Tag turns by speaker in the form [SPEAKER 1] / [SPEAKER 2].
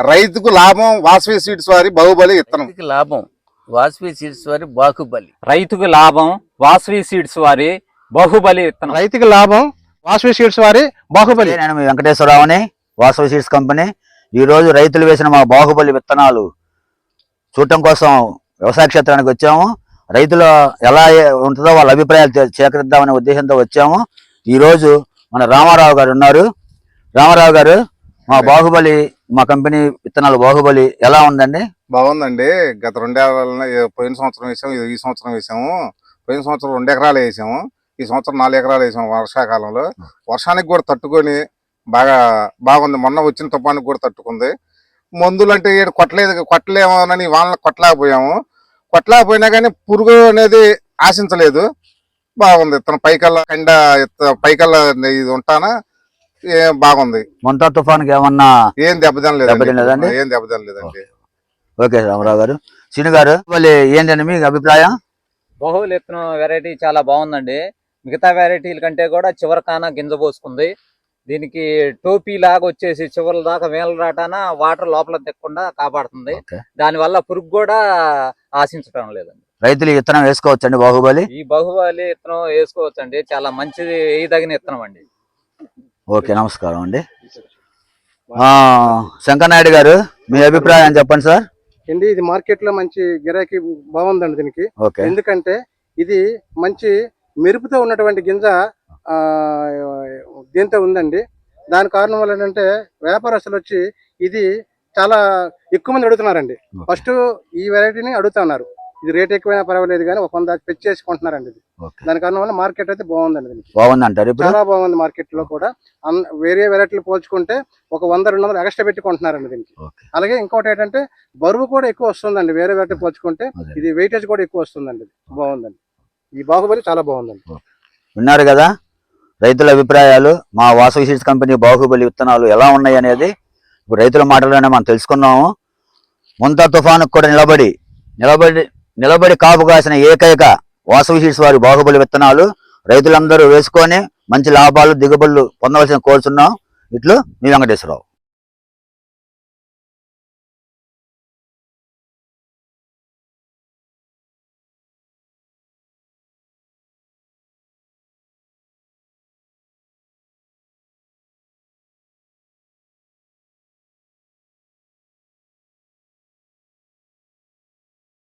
[SPEAKER 1] రైతుకు లాభం వాసవి సీడ్స్ వారి బాహుబలి విత్తనం.
[SPEAKER 2] లాభం వాసవి సీడ్స్ వారి బాహుబలి.
[SPEAKER 3] రైతుకు లాభం వాసవి సీడ్స్ వారి బాహుబలి విత్తనం.
[SPEAKER 4] రైతుకు లాభం వాసవి సీడ్స్ వారి బాహుబలి.
[SPEAKER 5] నేను మీ వెంకటేశ్వరరావుని, వాసవి సీడ్స్ కంపెనీ. ఈ రోజు రైతులు వేసిన మా బాహుబలి విత్తనాలు చూడటం కోసం వ్యవసాయ క్షేత్రానికి వచ్చాము. రైతులు ఎలా ఉంటుందో వాళ్ళ అభిప్రాయాలు సేకరిద్దామనే ఉద్దేశంతో వచ్చాము. ఈ రోజు మన రామారావు గారు ఉన్నారు. రామారావు గారు, మా బాహుబలి, మా కంపెనీ విత్తనాలు బాహుబలి ఎలా ఉందండి?
[SPEAKER 1] బాగుందండి. గత 2 ఏళ్ళ పోయిన సంవత్సరం వేసాము, ఈ సంవత్సరం వేసాము. పోయిన సంవత్సరం 2 ఎకరాలు వేసాము, ఈ సంవత్సరం 4 ఎకరాలు వేసాము. వర్షాకాలంలో వర్షానికి కూడా తట్టుకొని బాగుంది. మొన్న వచ్చిన తుఫానికి కూడా తట్టుకుంది. మందులు అంటే కొట్టలేమోనని వాళ్ళని కొట్టలేకపోయాము. కొట్టలేకపోయినా కానీ పురుగు అనేది ఆశించలేదు. బాగుంది. తన పైకల్లా ఇది ఉంటానా బాగుంది.
[SPEAKER 5] మొంతా తుఫాన్కి ఏమన్నా
[SPEAKER 1] ఏం దెబ్బతినలేదండి. ఏం దెబ్బతినలేదండి.
[SPEAKER 5] ఓకే రామారావు గారు. శ్రీను గారు, మళ్ళీ ఏంటండి మీ అభిప్రాయం?
[SPEAKER 3] బాహుబలి విత్తనం వెరైటీ చాలా బాగుందండి. మిగతా వెరైటీల కంటే కూడా చివరికాన గింజ పోసుకుంది. దీనికి టోపీ లాగా వచ్చేసి చివరి దాకా వేల రాటాన వాటర్ లోపల తెక్కకుండా కాపాడుతుంది. దానివల్ల పురుగు కూడా ఆశించడం లేదండి.
[SPEAKER 5] రైతులు విత్తనం వేసుకోవచ్చండి బాహుబలి?
[SPEAKER 3] ఈ బాహుబలి విత్తనం వేసుకోవచ్చండి. చాలా మంచిది, వేయదగిన విత్తనం అండి.
[SPEAKER 5] ఓకే, నమస్కారం అండి. శంకర్ నాయుడు గారు, మీ అభిప్రాయం చెప్పండి సార్.
[SPEAKER 4] ఇది మార్కెట్ లో మంచి గిరాకీ బాగుందండి దీనికి. ఎందుకంటే ఇది మంచి మెరుపుతో ఉన్నటువంటి గింజ దీంతో ఉందండి. దాని కారణం వల్ల ఏంటంటే వ్యాపారస్తులు వచ్చి ఇది చాలా ఎక్కువ మంది అడుగుతున్నారండి. ఫస్ట్ ఈ వెరైటీని అడుగుతున్నారు. ఇది రేట్ ఎక్కువైనా పర్వాలేదు కానీ ఒక 100 పెంచి చేసుకుంటున్నారండి. ఇది దాని కారణం వల్ల మార్కెట్ అయితే బాగుందండి.
[SPEAKER 5] బాగుంది అంటారు?
[SPEAKER 4] చాలా బాగుంది. మార్కెట్ లో కూడా వేరే వెరైటీలు పోల్చుకుంటే ఒక 100-200 ఎక్స్ట్రా పెట్టుకుంటున్నారండి దీనికి. అలాగే ఇంకోటి ఏంటంటే బరువు కూడా ఎక్కువ వస్తుందండి. వేరే వెరైటీ పోల్చుకుంటే ఇది వెయిటేజ్ కూడా ఎక్కువ వస్తుందండి. బాగుందండి. ఈ బాహుబలి చాలా బాగుందండి.
[SPEAKER 5] విన్నారు కదా రైతుల అభిప్రాయాలు. మా వాసవి సీడ్స్ కంపెనీ బాహుబలి విత్తనాలు ఎలా ఉన్నాయి అనేది ఇప్పుడు రైతుల మాటలోనే మనం తెలుసుకున్నాము. మొంతా తుఫానుకు కూడా నిలబడి కాపు కాసిన ఏకైక వాసవి సీడ్స్ వారి బాహుబలి విత్తనాలు రైతులందరూ వేసుకొని మంచి లాభాలు, దిగుబడులు పొందవలసిన కోరుతున్నాం. ఇట్లు మీ వెంకటేశ్వరరావు.